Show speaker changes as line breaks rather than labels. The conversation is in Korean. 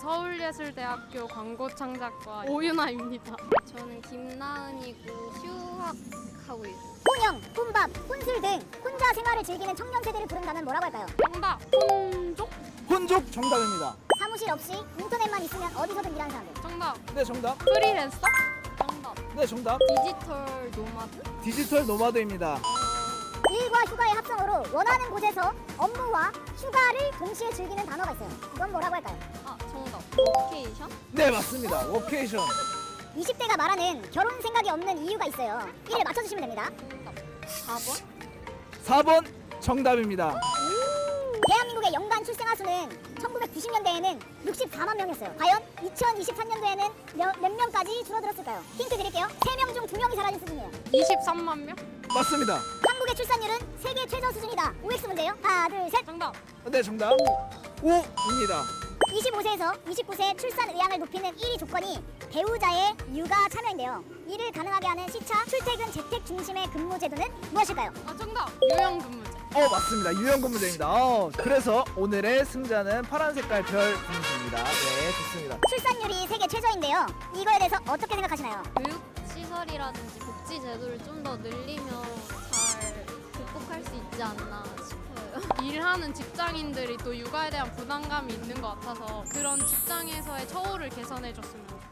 서울예술대학교 광고창작과 오윤아입니다.
저는 김나은이고 휴학하고 있어요.
혼영, 혼밥, 혼술 등 혼자 생활을 즐기는 청년 세대를 부른다면 뭐라고 할까요?
정답! 혼족?
혼족 정답입니다.
사무실 없이 인터넷만 있으면 어디서든 일하는 사람들.
정답!
네, 정답.
프리랜서?
정답.
네, 정답.
디지털 노마드?
디지털 노마드입니다.
일과 휴가의 합성어로 원하는 곳에서 업무와 휴가를 동시에 즐기는 단어가 있어요. 이건 뭐라고 할까요?
아, 정답. 워케이션?
네, 맞습니다. 워케이션.
20대가 말하는 결혼 생각이 없는 이유가 있어요. 이를 맞춰주시면 됩니다.
정답. 4번?
4번 정답입니다.
대한민국의 연간 출생아 수는 1990년대에는 64만 명이었어요. 과연 2023년도에는 몇 명까지 줄어들었을까요? 힌트 드릴게요. 3명 중 2명이 사라진 수준이에요.
23만 명?
맞습니다.
한국의 출산율은 세계 최저 수준이다. OX 문제요. 하나, 둘, 셋.
정답!
네, 정답. 5입니다.
25세에서 29세 출산 의향을 높이는 1위 조건이 배우자의 육아 참여인데요. 이를 가능하게 하는 시차, 출퇴근, 재택 중심의 근무 제도는 무엇일까요?
아, 정답! 요양근무제.
맞습니다. 유형근무제입니다. 그래서 오늘의 승자는 파란 색깔 별 분수입니다. 네, 좋습니다.
출산율이 세계 최저인데요. 이거에 대해서 어떻게 생각하시나요?
교육시설이라든지 복지 제도를 좀 더 늘리면 잘 극복할 수 있지 않나 싶어요.
일하는 직장인들이 또 육아에 대한 부담감이 있는 것 같아서 그런 직장에서의 처우를 개선해줬으면 좋겠어요.